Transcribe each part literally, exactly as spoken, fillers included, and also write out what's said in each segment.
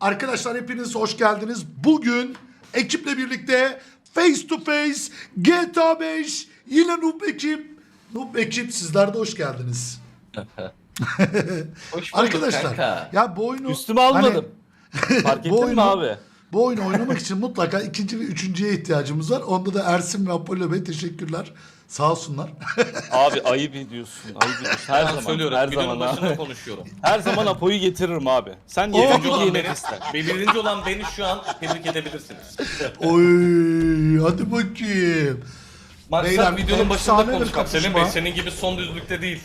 Arkadaşlar hepiniz hoş geldiniz. Bugün ekiple birlikte face to face G T A beş yine Noob ekip. Noob ekip sizler de hoş geldiniz. Hoş bulduk Arkadaşlar kanka. ya bu oyunu Üstüme almadım. Hani, Fark ettin bu oyunu, mi abi? Bu oyunu oynamak için mutlaka ikinci ve üçüncüye ihtiyacımız var. Onda da Ersin ve Apollo Bey teşekkürler. Sağ olsunlar. Abi ayıp ediyorsun. Ayıp ediyorsun. Her Ben zaman. söylüyorum. Her Videonun zaman başında abi. konuşuyorum. Her zaman Apo'yu getiririm abi. Sen Oo. Birinci yetince olan yemek beni, ister. birinci olan beni şu an tebrik edebilirsiniz. Oy hadi bakayım. Maksat Beyler, videonun başında efsane bir konuşmak. Selim kapışma. Bey senin gibi son düzlükte değil.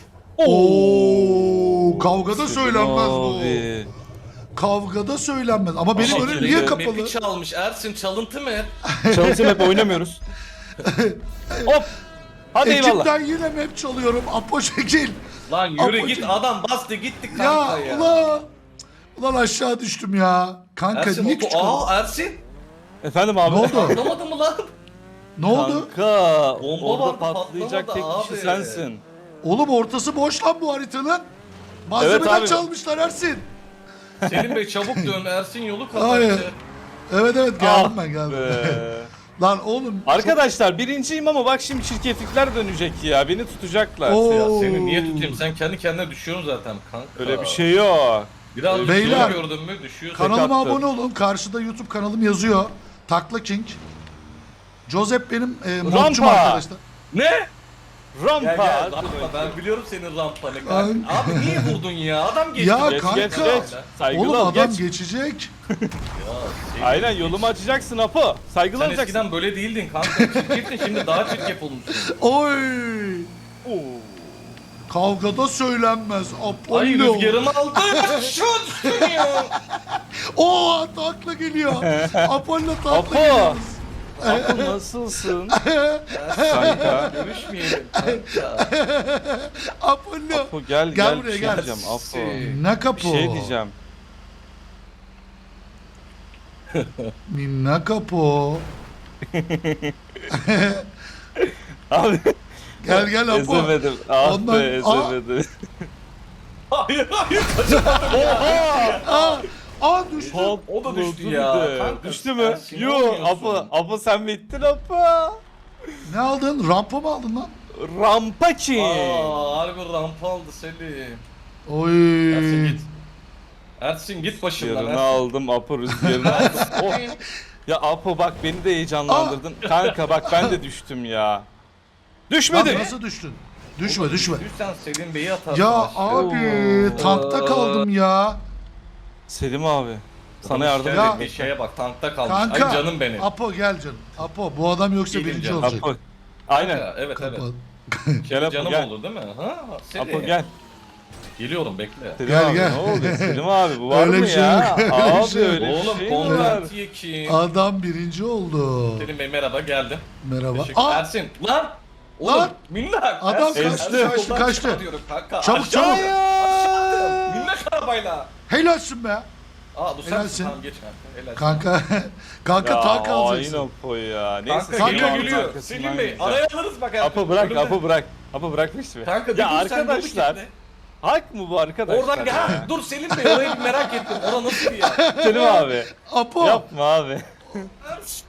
Oo kavgada söylenmez bu. Abi. Kavgada söylenmez. Ama benim Ama önüm Kerem niye Bey kapalı? map'i çalmış. Ersin çalıntı mı? Çalışım hep oynamıyoruz. Hop. Hadi eyvallah. Ekipten yine map çalıyorum. Apo şekil. Lan yürü Apocuğum. git adam bastı gitti Ya, kanka ya. ulan. Ulan aşağı düştüm ya. Kanka Ersin niye oto... küçük oldun? Aa Ersin. Efendim abi. Ne oldu? Anlamadı mı lan? Ne oldu? Kanka. Bomba Orada vardı, patlayacak tek patlamadı kişi abi. sensin. Oğlum ortası boş lan bu haritanın. Malzemeden abi. çalmışlar Ersin. Selim Bey çabuk dön. Ersin yolu Hayır. kapattı. Evet evet geldim Ah ben geldim. be. Lan oğlum. Arkadaşlar birinciyim ama bak şimdi çirkeflikler dönecek ya. Beni tutacaklar. Oo. Ya seni niye tutayım? Sen kendi kendine düşüyorsun zaten kanka. Öyle bir şey yok. Biraz Öyle Beyler. Beyler. gördün mü düşüyorsun. Kanalıma attım. abone olun. Karşıda YouTube kanalım yazıyor. Takla King. Joseph benim e, Rampa. modcum arkadaşlar. Ne? Rampa. Gel gel hadi rampa bakayım. ben biliyorum senin rampanı. Ay. Abi niye vurdun ya? Adam geçti. Ya Geç kanka. geç geç. Saygılı Oğlum ol adam geç. geçecek. Ya, şey- Aynen yolumu açacaksın Apo. Saygılı Sen olacaksın. eskiden böyle değildin kanka. Çirkeftin şimdi daha çirkef olmuşsun. Oy. Oo. Kavgada söylenmez. Apollo. Ay rüzgarımı aldı. Şu düştün ya. Oo takla geliyor. Apollo takla Apo. geliyor. Apo nasılsın? Kanka. Görüşmeyelim kanka. Apollo. Apo gel Gel gel, buraya, bir şey gel. diyeceğim Apo. Ne Bir kapı? şey diyeceğim. Ne kapı? Abi Gel gel Apo. ezemedim. Ah Ondan- be Aa. ezemedim. Hayır hayır. Aa, aa düştü. Patladı O da düştü bir ya. de. Kanka, Düştü mü? Ersin, ne Yo oynuyorsun? Apo. Apo sen bittin Apo. Ne aldın? Rampa mı aldın lan? Rampa ki. Aa harbi rampa aldı Selim. Oy. Ersin git. Ersin git başımdan. Rüzgarını Ersin. aldım Apo rüzgarını aldım. Oh. Ya Apo bak beni de heyecanlandırdın. Kanka bak ben de düştüm ya. Lan Düşmedim. nasıl düştün? Düşme düşme. Düşsen Selim Bey'i atarsın. Ya aşağı. abi tankta kaldım ya. Selim abi. Sana Hoş yardım geldin. Ya- Bir şeye bak tankta kalmış. Kanka. Ay canım benim. Apo gel canım. Apo bu adam yoksa Gelin birinci canım. olacak. Apo. Aynen. Kanka, evet evet. Kapat. Gel Apo Canım gel. olur değil mi? Ha? Selim. Apo gel. Geliyorum bekle. Selim Gel, abi gel. ne oluyor? Selim abi bu var Öyle mı bir şey ya? yok, öyle bir Abi şey yok. öyle bir Oğlum şey mi var? konvertiye kim? Adam birinci oldu. Selim Bey merhaba geldim. Merhaba. Teşekkür Aa, Ersin. Lan! Oğlum Lan! minnak. Adam Ersin, kaçtı, Ersin, kaçtı, soldan kaçtı. çıkartıyorum Kanka. Çabuk, Aşağı- çabuk. Aşağı. Minnak arabayla. helalsin be. Aa bu sen Helalsin. Tamam geç kanka. Helal. Kanka. Kanka Ya tank aynı alacaksın. Apo ya. Neyse Kanka Kanka, geliyor Selim abi geliyor. arkasından Selim Bey gideceğim. araya alırız bak. Ersin. Apo bırak Önümde. Apo bırak. Apo bırak işte. Kanka bir Ya dur sen yolu arkadaşlar. kitle. Hak mı bu arkadaşlar? Oradan gel. Ha, dur Selim Bey orayı bir merak ettim. Ora nasıl bir yer? Selim abi. Apo. Yapma abi. Ersin.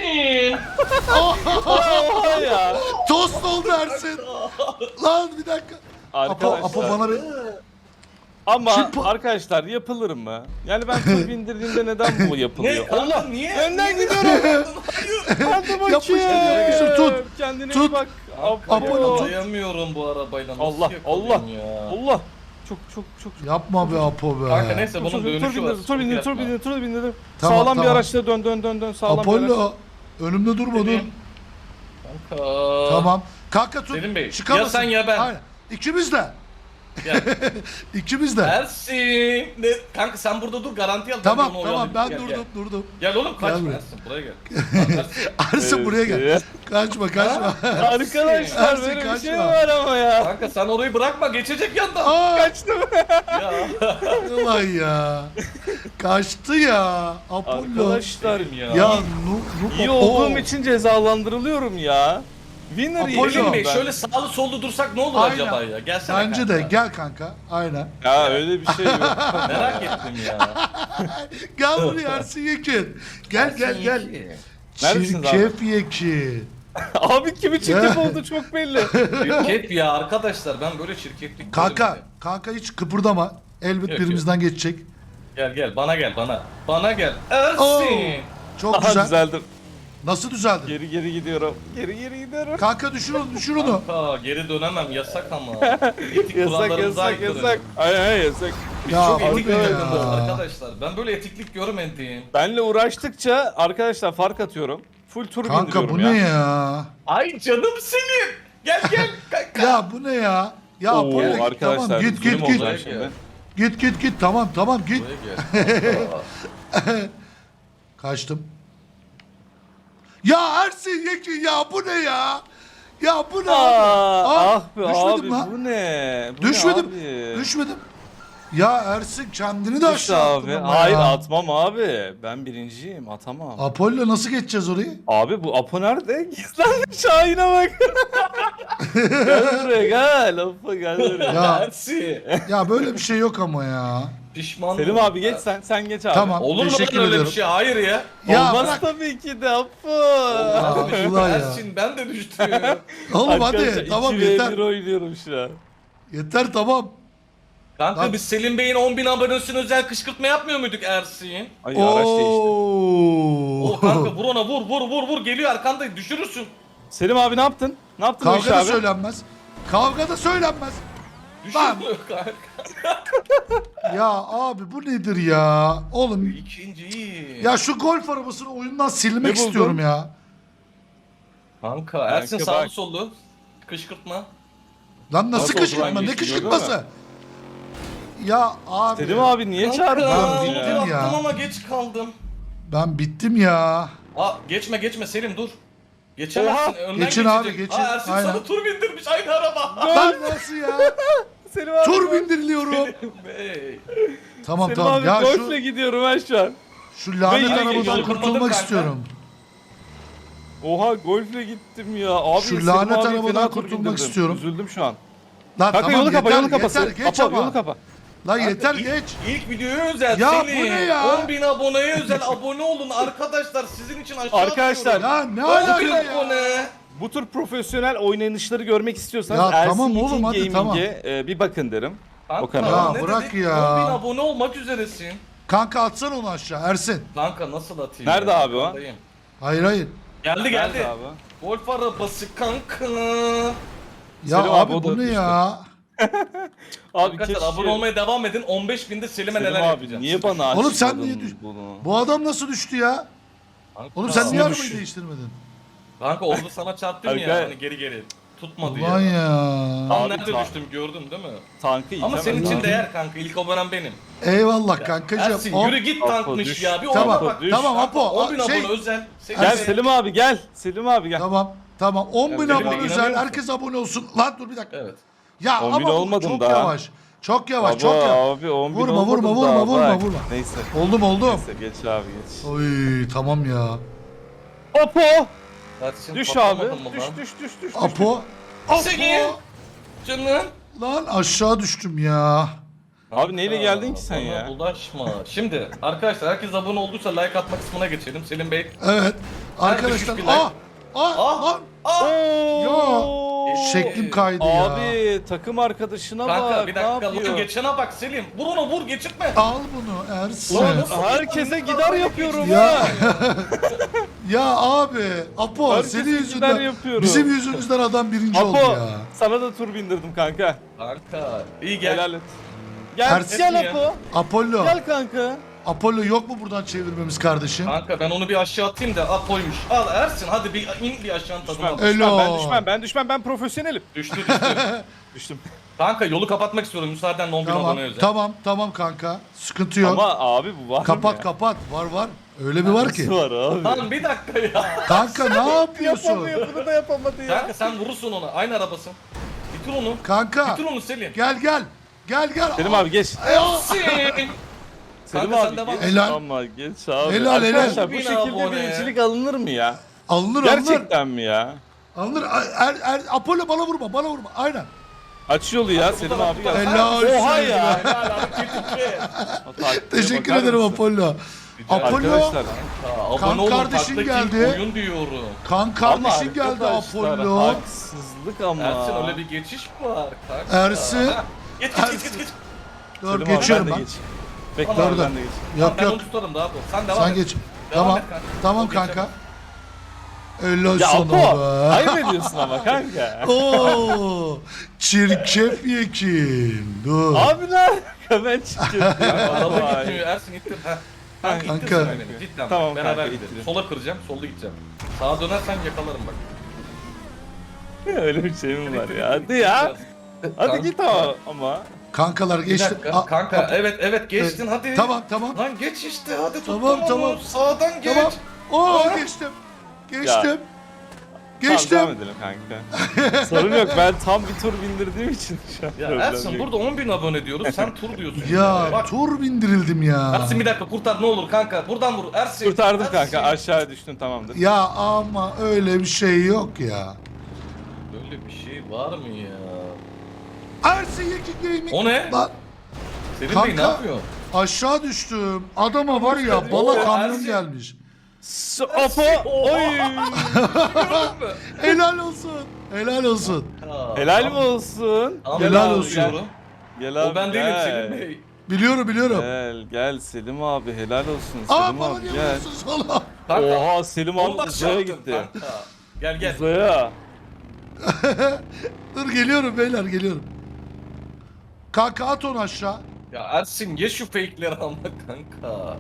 Oha ya. Tost oldu Ersin. Lan bir dakika. Apo, Arkadaşlar. Apo bana bir... Ama Çık bu- arkadaşlar yapılır mı? Yani ben tur bindirdiğimde neden bu Ne? yapılıyor? Allah niye? Önden Niye? gidiyorum. Hadi Yapıştır, bakayım. yapıştır, tut. Kendine Tut. iyi bak. Kanka Apollo ya, tut. Dayamıyorum bu arabayla. Nasıl Allah Allah yakalayayım ya? Allah. Çok çok çok. Yapma be Apo be. Kanka neyse Çok, bunun çok, tur dönüşü var. bindirdim, tur bindirdim, tur Yapma. bindirdim, tur bindirdim. Tamam, Sağlam bir tamam. araçla dön dön dön dön. Sağlam bir araç. Apollo. Önümde durma dur. Selim. Kanka. Tamam. Kanka tut. Selim Bey, Çıkamazsın. ya sen ya ben. Aynen. İkimiz de. Gel. İkimiz de. Ersin. Ne? Kanka sen burada dur garanti al. Tamam onu tamam oyalayayım. ben Gel, durdum durdum. Gel, gel oğlum Gel kaçma buraya. Ersin buraya gel. Ersin. Ersin buraya gel. Evet. Kaçma kaçma. Arkadaşlar Ersin, böyle bir kaçma. şey var ama ya. Kanka sen orayı bırakma geçecek yandan. Aa, Kaçtım. Ya. ulan ya. Kaçtı ya. Apollo. Arkadaşlar Selim ya. Ya nu, nu, iyi Oo. olduğum için cezalandırılıyorum ya. Winner Apollo. yiyeceğim Selim Bey ben. şöyle sağlı sollu dursak ne olur Aynen. acaba ya? Gelsene Bence de kanka. gel kanka. Aynen. Ya öyle bir şey yok. Merak ettim ya. Gel buraya Ersin Yekin. Gel gel gel. Neredesiniz abi? Çirkef Yekin. Abi kimi çirkef oldu çok belli. Çirkef ya arkadaşlar ben böyle çirkeflik Kanka, görmedim. kanka hiç kıpırdama. Elbet Yok, birimizden geçecek. Gel gel bana gel bana. Bana gel. Oo, Ersin. çok Aha güzel. düzeldim. Nasıl düzeldin? Geri geri gidiyorum. Geri geri gidiyorum. Kanka düşür onu, düşür onu. Ha, geri dönemem yasak ama. Etik Yasak kurallarımıza yasak aykırı. yasak. Ay ay yasak. Ya Çok o etik ne oynadım ya? arkadaşlar. Ben böyle etiklik görmedim. Benle uğraştıkça arkadaşlar fark atıyorum. Full tur Kanka bindiriyorum bu ya. ne ya? Ay canım senin. Gel gel. kanka. Ya bu ne ya? Ya Oo, Apollo git, arkadaşlar tamam git zulüm git git. olacak şimdi. Git git git tamam tamam git. Buraya gel. Kaçtım. Ya Ersin Yekin ya bu ne ya? Ya bu ne Aa, abi? ah be düşmedim abi lan. bu ne? Bu Düşmedim. Ne abi? Düşmedim. Ya Ersin kendini de Düş aşağı attın abi. ama Hayır ya. atmam abi. Ben birinciyim atamam. Apollo nasıl geçeceğiz orayı? Abi bu Apo nerede? Gizlenmiş Şahin'e bak. Gel buraya gel. Apo gel buraya. Ya Ersin. ya böyle bir şey yok ama ya. Pişman Selim oldum. abi geç sen. Sen geç abi. Tamam. Olur mu lan Teşekkür öyle ediyorum. bir şey? Hayır ya. Ya Olmaz bırak. tabii ki de Apo. Olmaz bir şey. ulan ya. Ersin ben de düştüm. Oğlum Arkadaşlar, hadi tamam iki ve yeter. bir oynuyorum şu an. Yeter tamam. Kanka Lan- biz Selim Bey'in on bin abonesine özel kışkırtma yapmıyor muyduk Ersin? Ay araç değişti. Oo. O kanka vur ona vur vur vur vur geliyor arkanda düşürürsün. Selim abi ne yaptın? Ne yaptın o iş Kavga da abi? söylenmez. Kavga da söylenmez. Lan. Düşürmüyor kanka. Ya abi bu nedir ya? Oğlum İkinci iyi. ya şu golf arabasını oyundan silmek Ne buldun? istiyorum ya. Kanka Ersin Kanka sağlı bak. sollu. Kışkırtma. Lan nasıl Nasıl kışkırtma? oldu lan, Ne geçti, kışkırtması? gördün Ya abi. Selim abi niye çağırdın Kanka beni bittim ya? yaptım ya. ama geç kaldım. Ben bittim ya. Aa geçme geçme Selim dur. Geçemezsin. Oha. Önden Geçin abi, geçecek. geçin. Aa Ersin Aynen. sana tur bindirmiş aynı araba. Lan nasıl ya? Selim abi. Tur bindiriliyorum. Bey. Tamam Selim tamam abi ya golfle şu gidiyorum ben şu an. şu lanet Ben yine arabadan yolu kurtulmak kapadım kanka. istiyorum. Oha golfle gittim ya. Abi Şu Selim lanet abi arabadan fena tur kurtulmak bindirdim. istiyorum. Üzüldüm şu an. Lan Kanka tamam yolu kapa yeter, yolu kapası. yeter geç Apo ama. yolu kapa. Lan yeter İlk- geç. İlk videoya özel Ya Selim. bu ne ya? on bin aboneye özel abone olun arkadaşlar sizin için aşağı Arkadaşlar, atıyorum. Ya ne on alaka bin ya? abone. Bu tür profesyonel oynanışları görmek istiyorsanız Ya Ersin tamam Yekin oğlum, hadi Gaming'e tamam. e, bir bakın derim. Kanka, O kanala. Ya ne bırak dedik? ya. on bin abone olmak üzeresin. Kanka atsana onu aşağı Ersin. Kanka nasıl atayım? Nerede ya? abi o? Arkandayım. Hayır hayır. Geldi geldi. Nerede abi? Golf arabası kanka. Ya Selim abi, abi, o da bu ne düştü. ya? Abi Arkadaşlar keşke... abone olmaya devam edin. on beş binde Selim'e Selim neler abi yapacağım. niye bana açmadın Oğlum sen niye düş- bunu? Bu adam nasıl düştü ya? Kanka, Oğlum sen niye Nasıl arabayı düştü? değiştirmedin? Kanka oldu sana çarptım ya Kanka. hani geri geri. Tutmadı Ulan ya. ya. Tam Abi, nerede ta- düştüm gördün değil mi? Tankı Ama itemez senin için abi. değer kanka. İlk abonem benim. Eyvallah kankacığım. Ersin Hop. yürü git Apo, tankmış düş. ya. Bir Tamam, ona bak. düş. tamam Kanka, Apo. on bin Şey, abone özel. Selim Gel Bey. Selim abi gel. Selim abi gel. tamam. Tamam. on bin Ya, abone Selim, özel. inanıyor Herkes abone olsun. Lan dur bir dakika. Evet. Ya on bin ama bu olmadım çok daha. yavaş. Çok yavaş, Baba, çok yavaş. abi on bin Vurma, olmadım vurma, vurma, daha, vurma, bak. vurma. Neyse. Oldum oldum. Neyse geç abi geç. Oy tamam ya. Apo! Ersin, Düş abi. patlamadın mı Düş lan? düş düş düş. düş. Apo. Apo. Seni. Canım. Lan aşağı düştüm ya. Abi neyle geldin ki sen bana ya? bulaşma. Şimdi arkadaşlar herkes abone olduysa like atma kısmına geçelim. Selim Bey. Evet. Arkadaşlar. düşük bir Ah. Ah. Ah. Lan. Aa! Oo! Şeklim kaydı ya. Abi takım arkadaşına Kanka bak. bir ne dakika yapıyor? lan geçene bak Selim. Vur onu vur geçirtme. Al bunu Ersin. Ulan nasıl- Herkese gider yapıyorum Ya. ha. Ya abi. Apo Herkes senin gider yüzünden. yapıyorum. Bizim yüzümüzden adam birinci oldu Apo ya. sana da tur bindirdim kanka. Kanka iyi gel. Helal et. Gel Ersin gel ya. Apo. Apollo. Gel kanka. Apollo yok mu buradan çevirmemiz kardeşim? Kanka ben onu bir aşağı atayım da Apo'ymuş. Al Ersin hadi bir in bir aşağının tadına Düşmem, bak. düşmem, Elo. ben düşmem, ben düşmem, ben profesyonelim. Düştü düştü. Düştüm. Kanka yolu kapatmak istiyorum müsaadenle on bin Tamam. abone özel. Tamam tamam kanka. Sıkıntı yok. Ama abi bu var kapat ya. kapat. Var var. Öyle bir var ki. Nasıl var abi? Lan bir dakika ya. Kanka ne yapıyorsun? Yapamıyor, bunu da yapamadı ya. Kanka sen vurursun onu. Aynı arabasın. Bitir onu. Kanka. Bitir onu Selim. Gel gel. Gel gel. Selim abi geç. Ersin. Selim Kanka sen abi devam geç. et. Helal. Ama geç abi. Helal, helal. Arkadaşlar bu Bin şekilde abone. birincilik alınır mı ya? Alınır alınır. Gerçekten mi ya? Alınır. Er, er, Apollo bana vurma, bana vurma. Aynen. Aç yolu ya Selim abi gel. Helal olsun. Oha ya. Helal abi tetikçi. O taktiğe Teşekkür bakar ederim mısın? Apollo. Apollo, Arkadaşlar. Aa, Kan abone olun kardeşin taktaki geldi. oyun diyorum. kan Ama kardeşin geldi arkadaşlar, Apollo. haksızlık ama. Ersin öyle bir geçiş mi var kanka? Ersin. Ha, Geç geç geç geç. geç. Dur Selim abi, geçiyorum ben. ben. de geç. Bekle Tamam, abi dur. ben de geç. Yok ben yok. onu tutarım daha bu. Sen devam Sen et. geç. Devam Tamam. et kanka. Tamam O kanka. geçemez. Helal Ya sana Apo, be. ayıp ediyorsun ama kanka. Oo, çirkef yekin. Dur. Abi ne alaka ben çıkıyorum. Araba Vay. gitmiyor Ersin ittir. Ha. Kanka, Kanka. ittirsin beni. Cidden. Tamam Beraber kanka, gidelim. ittirin. Sola kıracağım, solda gideceğim. Sağa dönersen yakalarım bak. Öyle bir şey mi var İttir, ya? ittir, Hadi ya. ittir. Hadi Kanka. git ama. ama. Kankalar Bir geçti. dakika. A- Kanka a- evet evet geçtin hadi. Tamam tamam. Lan geç işte hadi tuttum Tamam, onu. tamam. Sağdan geç. Tamam. Oo Aa. geçtim. Geçtim. Tamam, Geçtim. devam edelim kanka. Sorun yok ben tam bir tur bindirdiğim için şu an Ya problem Ersin yok. burada on bin abone diyoruz sen tur diyorsun. Ya Bak tur bindirildim ya. Ersin bir dakika kurtar ne olur kanka. Buradan vur Ersin. Kurtardım Ersin. kanka aşağıya düştün tamamdır. Ya ama öyle bir şey yok ya. Böyle bir şey var mı ya? Ersin Yekin Gaming. O ne? Lan Selim Kanka. Bey ne yapıyor? aşağı düştüm. Adama var ya Oo, bala kamyon Ersin. gelmiş. S- Apo oy. Helal olsun. Helal olsun. Ha, Helal mi tamam. olsun? Tamam, Helal helal olsun. diyorum. Gel abi O ben değilim gel. Selim Bey. Biliyorum biliyorum. Gel gel Selim abi helal olsun Aa Selim bana abi niye gel. vuruyorsun sola? Kanka. Oha Selim abi Onu da uzaya çarptın gitti. kanka. Gel gel. Uzaya. Dur geliyorum beyler geliyorum. Kanka at onu aşağı. Ya Ersin ye şu fake'leri ama kanka.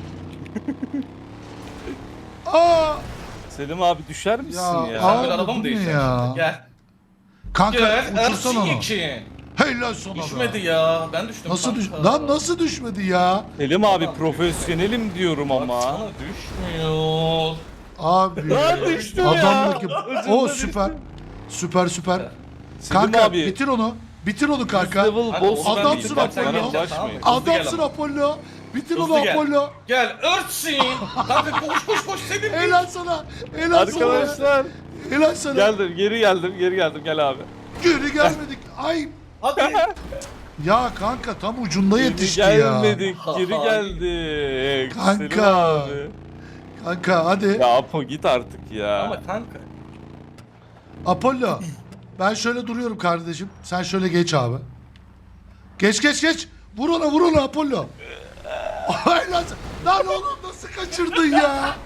Aa! Selim abi düşer misin Ya, ya? Aa, Sen bir araba bu mı ne değiştireceksin? ya? Gel. Kanka Gel uçursan Ersin onu. iki. Helal sana be. Düşmedi ya. Ben düştüm Nasıl düş? kanka. Lan nasıl düşmedi ya? Selim abi Tamam. profesyonelim diyorum Bak ama. sana düşmüyor. Abi. Lan düştüm ya. Adamdaki. Ucunda O düştüm. süper. Süper süper. Selim Kanka abi. bitir onu. Bitir onu kanka. Level Kanka, boss onu ben Adamsın bildim. Bak sen Apollo. geleceksin, tamam mı? Ulaşmayın. Hızlı gel Adamsın ama. Apollo. Bitir Hızlı onu gel. Apollo. Gel Ersin. Kanka koş koş koş Selim Bey. Helal sana. Helal sana. Arkadaşlar Helal sana. geldim geri geldim geri geldim gel abi. Geri gelmedik. Ay. Hadi. Ya kanka tam ucunda Geri yetişti ya. gelmedik geri geldik. Kanka. Selim abi. Kanka hadi. Ya Apo git artık ya. Ama kanka. Apollo. Ben şöyle duruyorum kardeşim. Sen şöyle geç abi. Geç geç geç. Vur ona vur ona Apollo. Ay lan, lan oğlum nasıl kaçırdın ya?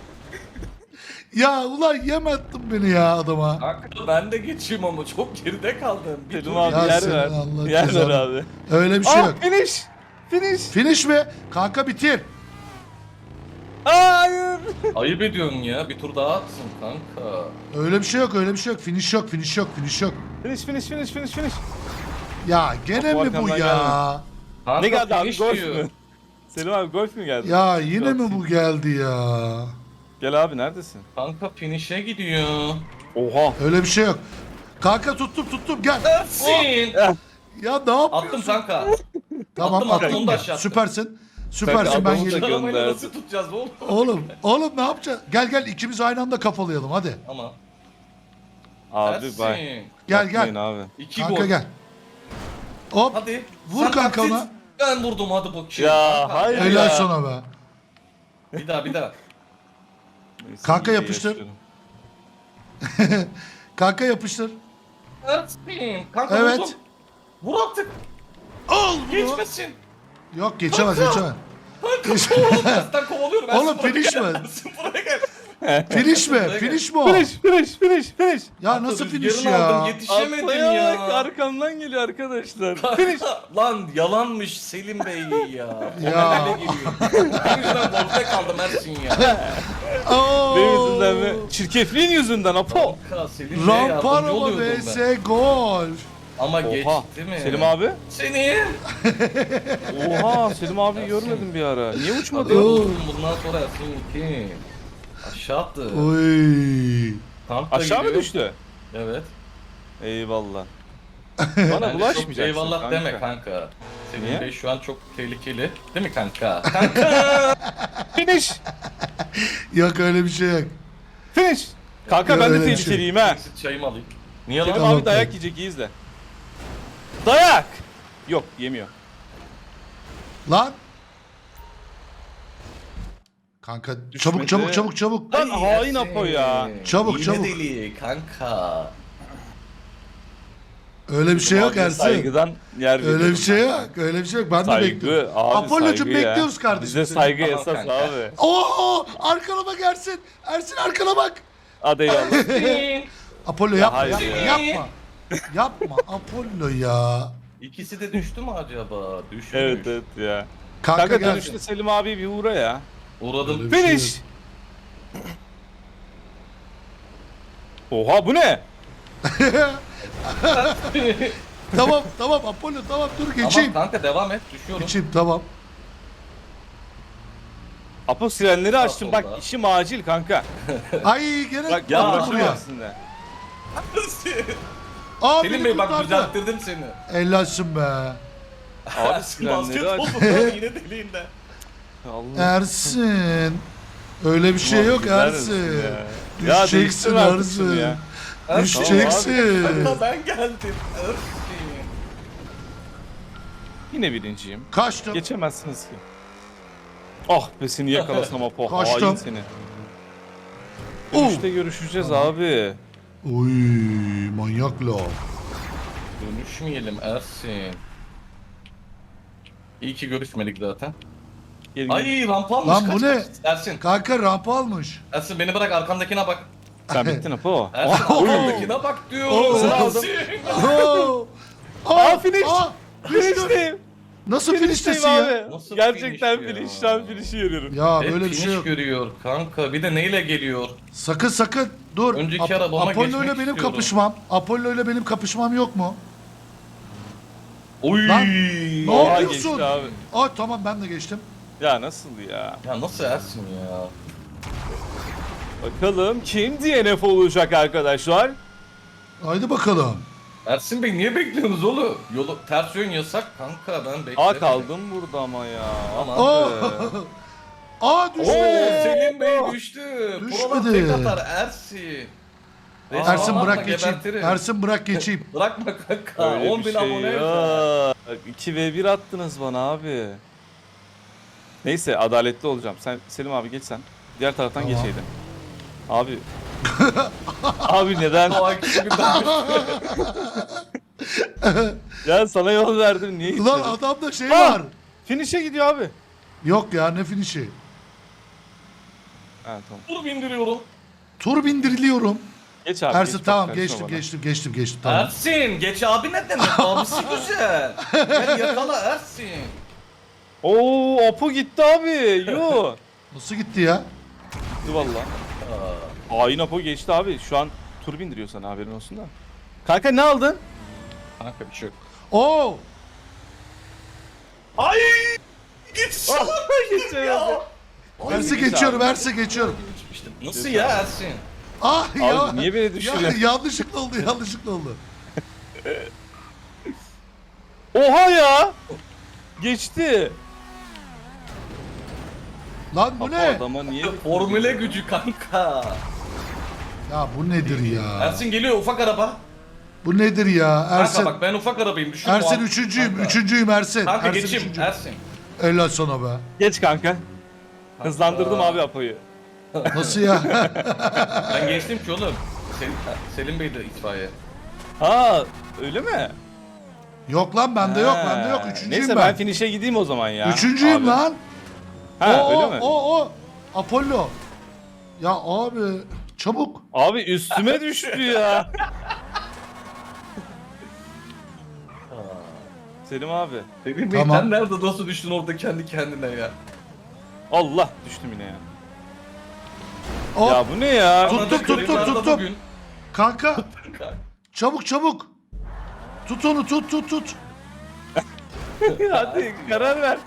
Ya ulan yem attın beni ya adama. Kanka ben de geçeyim ama çok geride kaldım. Bir Selim dur abi Ya ya. yer senin ver. Allah Yer ver cezanı. abi. Öyle bir şey Aa yok. finish. Finish. Finish mi? Kanka bitir. Aa, hayır. Ayıp ediyorsun ya. Bir tur daha atsın kanka. Öyle bir şey yok öyle bir şey yok. Finish yok finish yok finish yok. Finish finish finish finish finish. Ya gene Topu mi bu arkamdan ya? Kanka Ne geldi abi finish golf diyor. mü? Selim abi golf mü geldi? Ya yine mi bu geldi ya? Gel abi neredesin? Kanka finish'e gidiyor. Oha. Öyle bir şey yok. Kanka tuttum tuttum gel. Ersin. Ya ne yapıyorsun? Attım kanka. Tamam attım, attım, attın onu da mı? aşağı attım. Süpersin. Süpersin Kanka, ben adamı da geliyorum. gö- Arabayla gönderdi. nasıl tutacağız oğlum? Oğlum, oğlum ne yapacağız? Gel gel ikimiz aynı anda kafalayalım hadi. Ama. Abi Ersin. bay. Gel Yapmayın gel. abi. İki Kanka gol. gel. Hop. Hadi. Vur Sen kanka taksit, ona. Ben vurdum hadi bakayım. Ya, Kanka. hayır. Helal ya. sana be. Bir daha bir daha. Neyse, Kanka iyi yapıştır. yaşıyorum. Kanka yapıştır. Ersin. Kanka Evet. vurdum. Vur artık. Al bunu. Geçmesin. Yok geçemez geçemez. Geç- Tersten kovalıyorum. Ersin Oğlum buraya finish gel. mi? Ersin buraya gel. Finish mi? Finish mi o? Finish finish finish finish. Ya nasıl finish Rüzgarını aldım, ya? yetişemedim Atlaya ya. bak arkamdan geliyor arkadaşlar. Finish. Lan yalanmış Selim Bey ya. Ya. Öyle geliyor. Ben yüzünden golde kaldım Ersin ya. Oo. Benim yüzünden mi? Çirkefliğin yüzünden Apo. Kanka Selim Bey'e yardımcı Ramparama oluyordum ben. vs golf. Ama Oha. geçti mi? Selim abi. Seni. Oha Selim abi görmedim bir ara. Niye uçmadı? Oğlum bundan sonra Ersin iki. Aşağı attı. Oy. Tank da Aşağı mı gidiyor. düştü? Evet. Eyvallah. Bana Yani çok bulaşmayacaksın eyvallah kanka. deme kanka. Selim Niye? Bey şu an çok tehlikeli. Değil mi kanka? Kanka. Finish. Yok öyle bir şey yok. Finish. Kanka Ya ben de öyle bir şey. tehlikeliyim ha. Eksik çayımı alayım. Niye lan? Selim Tamam, abi dayak tamam. yiyecek, iyi izle. Dayak! Yok, yemiyor. Lan. Kanka çabuk çabuk çabuk çabuk. Lan Ay, hain Ersin. Apo ya. Çabuk, İğne çabuk. deli kanka. Öyle bir şey yok Abiye Ersin. Saygıdan yer Öyle bir veriyorum şey ben. yok. Öyle bir şey yok. Ben de Saygı bekliyorum. abi, Apollo'cum saygı ya. bekliyoruz kardeşim. Bize seni. saygı Tamam esas kanka. abi. Oo, arkana bak Ersin. Ersin arkana bak. Hadi eyvallah. Apollo Ya yapma, hayır yapma, ya. yapma. Yapma Apollo ya. İkisi de düştü mü acaba? Düşmüş. Evet evet ya. Kanka, Kanka gel. dönüşte Selim abi bir uğra ya. Uğradım. Öyle bir şey Finish! Oha bu ne? Tamam tamam Apollo tamam dur geçeyim. Tamam kanka devam et. Düşüyorum. Geçeyim tamam. Apo sirenleri açtım bak, solda. işim acil kanka. Ay gerek Bak ya, ya buraya. buraya aslında. Aa Selim beni Bey bak kurtardı. düzelttirdim seni. Ellasın be. Abi sirenleri Basketbol aç. topu yine deliğinde. Allah. Ersin. Öyle bir şey yok Güzel misin Ersin. ya? Ya Düşeceksin değiştirme artık Ersin. şunu ya. Düşeceksin. Kanka ben geldim. Ersin. Yine birinciyim. Kaçtım. Geçemezsiniz ki. Ah be seni yakalasam Apo. Kaçtım. Hain seni. Oo. Dönüşte görüşeceğiz abi. Oy manyak la. Dönüşmeyelim Ersin. İyi ki görüşmedik zaten. Gelin gelin. Ay rampa almış. Lan bu kaç, ne? kaç. Ersin. Kanka rampa almış. Ersin beni bırak arkandakine bak. Sen bittin Apo. Ersin Oh, oy. arkandakine bak Oo. diyorum. Aldım. Ersin. Oo. Aa, finish. Aa, düştü. Finish'teyim. Nasıl Finish'teyim finiştesin ya? abi. Nasıl Gerçekten finish ya? finish. Şu an finish'i görüyorum. Ya Hep böyle bir şey finish yok. görüyor kanka. Bir de neyle geliyor? Sakın sakın dur. Önceki arabama Apollo geçmek ile benim istiyorum. kapışmam. Apollo ile benim kapışmam yok mu? Oy. Lan, ne Oha, yapıyorsun? geçti abi. Aa tamam ben de geçtim. Ya nasıl ya? Ya nasıl Ersin ya? Bakalım kim D N F olacak arkadaşlar? Haydi bakalım. Ersin Bey niye bekliyorsunuz oğlum? Yolu ters yön yasak kanka ben beklerim. Aa kaldım burada ama ya. Aman. Aa, Be. Aa düştü. Oo Selim Bey düştü. Düşmedi. Buralar tek atar Ersin. Resmen Ersin anlatma, bırak geçeyim. gebertirim. Ersin bırak geçeyim. Bırakma kanka. Öyle on bir bin şey abone yok. iki ve bir attınız bana abi. Neyse adaletli olacağım. Sen Selim abi geç sen. Diğer taraftan Tamam. geçeydin. Abi. Abi neden? O ikisi birden Ya sana yol verdim niye Ulan gitmedin? adamda şey Ha! var. Finish'e gidiyor abi. Yok ya ne finişi. Ha tamam. Dur bindiriyorum. Tur bindiriliyorum. Geç abi. Ersin geç, bak, tamam karışma geçtim bana. geçtim geçtim geçtim tamam. Ersin geç abi ne demek? Abisi güzel. Gel yakala Ersin. Oo Apo gitti abi. Yo. Nasıl gitti ya? Gitti valla. Hain Apo geçti abi. Şu an tur bindiriyor sana haberin olsun da. Kanka ne aldın? Kanka bir şey yok. Oo! Ay! Git Ah, geçemedi. Ersin geçiyorum Ersin geçiyorum. Nasıl ya Ersin? Ah ya. Abi niye beni Ya, düşürüyorsun? yanlışlıkla oldu yanlışlıkla oldu. Oha ya. Geçti. Lan bu Apo ne? adama niye Formüle gücü kanka. Ya bu nedir ya? Ersin geliyor ufak araba. Bu nedir ya? Kanka Ersin. bak ben ufak arabayım düşün. Ersin üçüncüyüm. Kanka. Üçüncüyüm Ersin. Kanka Ersin geçeyim üçüncüyüm. Ersin. Helal sana be. Geç kanka. Hızlandırdım abi Apo'yu. Nasıl ya? Ben geçtim ki oğlum. Selim, Selim Bey de itfaiye. Ha öyle mi? Yok lan bende yok Ha, bende yok. Üçüncüyüm Neyse ben. ben finish'e gideyim o zaman ya. Üçüncüyüm Abi. lan. Ha o, öyle o, mi? O o. Apollo. Ya abi çabuk. Abi üstüme düştü ya. Selim abi. Selim Bey Tamam. sen nerede nasıl düştün orada kendi kendine ya? Allah düştüm yine ya. Hop. Ya bu ne ya? Tuttum, Anladık tuttum, kırıklarda tuttum. bugün. Kanka çabuk çabuk. Tut onu tut tut tut. Hadi karar ver.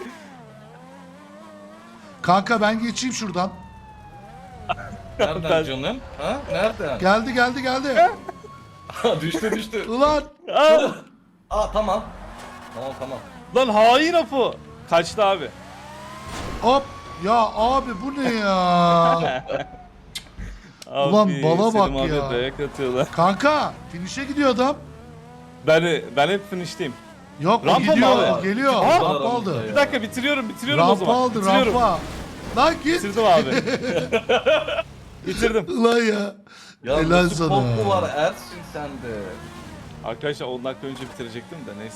Kanka ben geçeyim şuradan. Nereden Ben- canım? Ha? Nereden? Geldi geldi geldi. düştü düştü. Ulan. Aa, Aa tamam. Tamam tamam. lan hain Apo. Kaçtı abi. Hop. Ya abi bu ne ya? Abi, Ulan bala Selim bak abi ya. dayak atıyorlar. Kanka finish'e gidiyor adam. Ben ben hep finish'teyim. Yok o Rampa mı gidiyor abi? o geliyor. Aa, Rampa aramızda aldı. ya. Bir dakika bitiriyorum bitiriyorum o Rampa zaman. aldı bitiriyorum. rampa. Lan git. Bitirdim abi. Bitirdim. Ulan ya. Ya Helal nasıl sana. korku var Ersin sende. Arkadaşlar on dakika önce bitirecektim de neyse.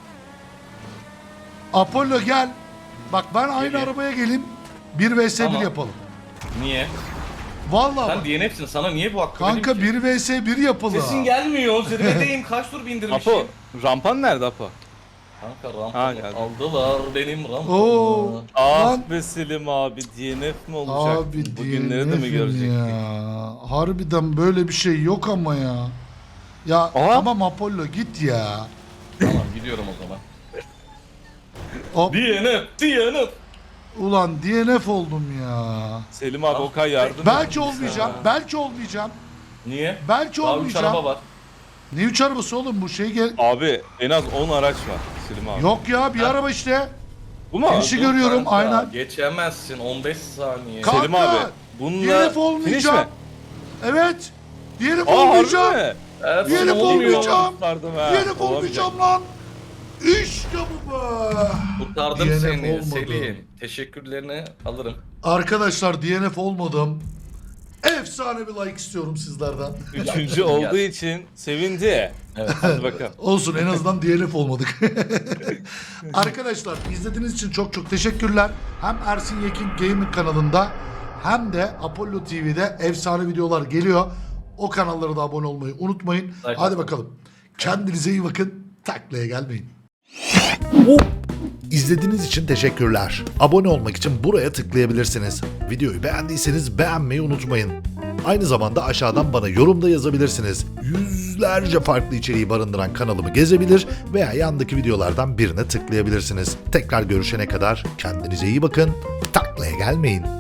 Apollo gel. Bak ben aynı Geleyim. arabaya geleyim. bir vs bir Tamam. yapalım. Niye? Vallahi Sen bak. D N F'sin, sana niye bu hakkı Kanka vereyim ki? bir vs bir yapalım. Sesin gelmiyor, zirvedeyim, kaç tur bindirmişim. Apo, rampan nerede Apo? Kanka Ha, rampamı geldi. aldılar benim rampamı. Oo. Ah Lan. be Selim abi D N F mi olacak? Abi Bugünleri de mi D N F'im görecektik? ya. Harbiden böyle bir şey yok ama ya. Ya Aha. tamam Apollo git ya. Tamam gidiyorum o zaman. Hop. D N F, D N F. Ulan D N F oldum ya. Selim abi Okay yardım Belki et. olmayacağım. Belki olmayacağım. Niye? Belki Daha üç olmayacağım. araba var. Ne üç arabası oğlum bu şey gel. Abi en az on araç var Selim abi. Yok ya bir araba işte. Bu mu? Finişi Dur görüyorum kanka, aynen. Geçemezsin on beş saniye. Ka- Selim Kanka, abi. Bununla D N F olmayacağım. finish mi? Evet. D N F Aa olmayacağım. harbi mi? Ersin D N F olmuyor. olmayacağım. Kurtardım ha. D N F Olamayacak. olmayacağım lan. İşte bu be. Kurtardım D N F seni olmadı. Selim. Teşekkürlerini alırım. Arkadaşlar D N F olmadım. Efsane bir like istiyorum sizlerden. Üçüncü Ya. olduğu için sevindi. Evet. Hadi bakalım. Olsun en azından D N F olmadık. Arkadaşlar izlediğiniz için çok çok teşekkürler. Hem Ersin Yekin Gaming kanalında hem de Apollo T V'de efsane videolar geliyor. O kanallara da abone olmayı unutmayın. Like Hadi atın. bakalım. Kendinize iyi bakın. Taklaya gelmeyin. İzlediğiniz için teşekkürler. Abone olmak için buraya tıklayabilirsiniz. Videoyu beğendiyseniz beğenmeyi unutmayın. Aynı zamanda aşağıdan bana yorumda yazabilirsiniz. Yüzlerce farklı içeriği barındıran kanalımı gezebilir veya yandaki videolardan birine tıklayabilirsiniz. Tekrar görüşene kadar kendinize iyi bakın. Taklaya gelmeyin.